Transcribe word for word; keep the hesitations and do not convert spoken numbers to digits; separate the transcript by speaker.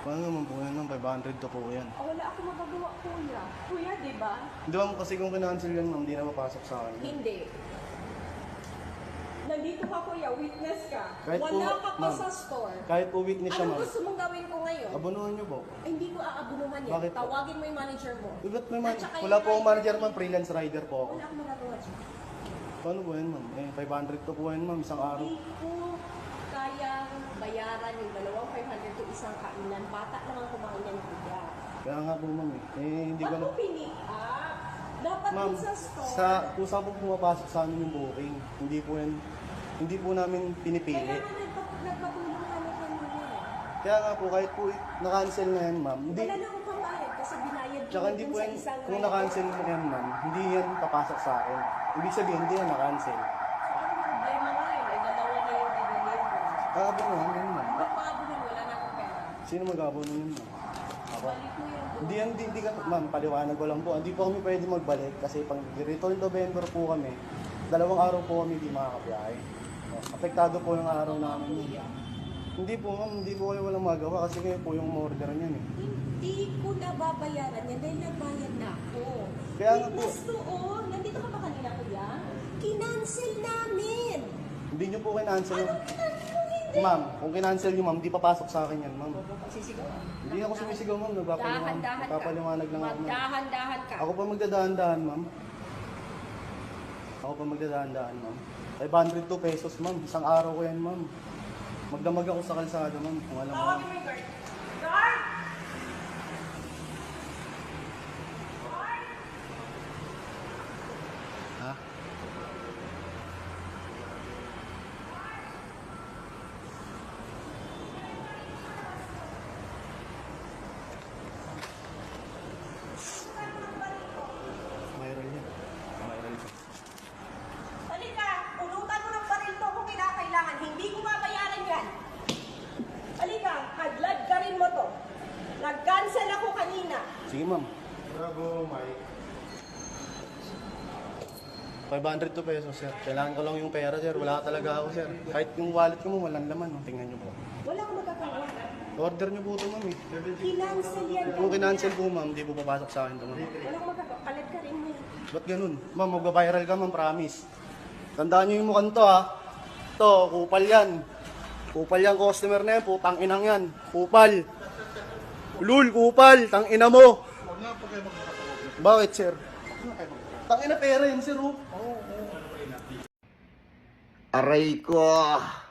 Speaker 1: Paano naman po yan ng five hundred to po yan?
Speaker 2: Oh, wala ako magagawa, kuya. Kuya, di ba?
Speaker 1: Di ba kasi kung kinancel yan ma'am, di na mapasok sa akin.
Speaker 2: Hindi. Nandito ka, kuya. Witness ka.
Speaker 1: Kahit
Speaker 2: wala
Speaker 1: po,
Speaker 2: ka pa
Speaker 1: ma'am,
Speaker 2: sa store.
Speaker 1: Kahit po witness siya
Speaker 2: Anong
Speaker 1: ma'am,
Speaker 2: gusto mong gawin ko ngayon?
Speaker 1: abunuhan niyo po.
Speaker 2: Ay, hindi ko aabunuhan yan.
Speaker 1: Bakit po?
Speaker 2: Tawagin mo yung manager mo.
Speaker 1: Eh, ba't may man-
Speaker 2: At saka
Speaker 1: wala
Speaker 2: yung
Speaker 1: po akong
Speaker 2: rider
Speaker 1: manager
Speaker 2: mo.
Speaker 1: ma'am, freelance rider po ako.
Speaker 2: Wala akong magagawa dyan.
Speaker 1: Paano po yan ma'am? Eh, five hundred to po yan ma'am, isang araw.
Speaker 2: Hindi ko kayang bayaran yung dalawang five hundred to isang kainan. Bata lang ang kumain yan, kuya.
Speaker 1: Kaya nga po ma'am eh. Eh, hindi ko
Speaker 2: Ba't
Speaker 1: na...
Speaker 2: mo pinick up? Dapat
Speaker 1: Ma'am,
Speaker 2: dun sa store.
Speaker 1: sa kung saan po pumapasok sa amin yung booking, hindi po yan, hindi po namin pinipili.
Speaker 2: Kaya nga nagpa- nagpatulong kami kanina.
Speaker 1: Kaya nga po, kahit po na-cancel na yan ma'am, hindi,
Speaker 2: Wala na akong pambayad kasi binayad ko
Speaker 1: tsaka hindi
Speaker 2: dun
Speaker 1: po
Speaker 2: sa
Speaker 1: yan,
Speaker 2: isang
Speaker 1: kung
Speaker 2: rider.
Speaker 1: na-cancel na yan ma'am, hindi yan papasok sa akin. Ibig sabihin, hindi yan na-cancel.
Speaker 2: Ang problema ngayon ay dalawa na yung dineliver.
Speaker 1: Kakabunuhan yan ma'am.
Speaker 2: Ba't maabunan? Wala na akong pera.
Speaker 1: Sino mag-abuno yun ma'am? Ako.
Speaker 2: Balik mo yung
Speaker 1: Hindi yan, hindi, hindi ka, ma'am, paliwanag ko lang po. Hindi po kami pwede magbalik kasi pang return November po kami. Dalawang araw po kami hindi makakabiyahe. Oh, apektado po yung araw namin yun. Hindi po ma'am, hindi po kayo walang magawa kasi kayo po yung order niyan eh.
Speaker 2: Hindi ko nababayaran yan dahil nagbayad na ako.
Speaker 1: Kaya nga po.
Speaker 2: Witness doon. Nandito ka ba kanina, kuya? Kinancel namin.
Speaker 1: Hindi nyo po kinancel yung...
Speaker 2: Anong kinancel mo hindi?
Speaker 1: Ma'am, kung kinancel nyo ma'am, di papasok sa akin yan ma'am.
Speaker 2: Pagsisigaw.
Speaker 1: Hindi ako sumisigaw ma'am, nagpapaliwanag,
Speaker 2: Dahan-dahan ka.
Speaker 1: nagpapaliwanag lang ako ma'am.
Speaker 2: Magdahan-dahan ka.
Speaker 1: Ako pa magdadahan-dahan ma'am. Ako pa magdadahan-dahan ma'am. five hundred two pesos ma'am, isang araw ko yan ma'am. Magdamag ako sa kalsada ma'am, kung alam mo.
Speaker 2: Tawagin mo yung guard. Guard!
Speaker 1: Ha? Mayroon yan. Mayroon yan.
Speaker 2: Halika, pulutan mo ng baril to kung kinakailangan. Hindi ko mabayaran yan. Halika, hadlad ka rin mo to. Nag-cancel ako kanina.
Speaker 1: Sige ma'am. Bravo, Mike. five hundred two pesos, sir. Kailangan ko lang yung pera, sir. Wala talaga ako, sir. Kahit yung wallet ko mo, walang laman. No? Tingnan nyo po.
Speaker 2: Wala akong magagawa.
Speaker 1: Order nyo po ito, ma'am. Eh.
Speaker 2: Kinancel yan.
Speaker 1: Kung kinancel po, ma'am, di po papasok sa akin ito, ma'am.
Speaker 2: Wala akong magagawa. Palit ka rin mo.
Speaker 1: Ba't ganun? Ma'am, magbabiral ka, ma'am, promise. Tandaan nyo yung mukhang to, ha? To, kupal yan. Kupal yan, customer na yan. Putang inang yan. Kupal. Lul, kupal. Tang ina mo. Bakit, sir? Tang ina pera yan, sir. Oh.
Speaker 3: Aray ko!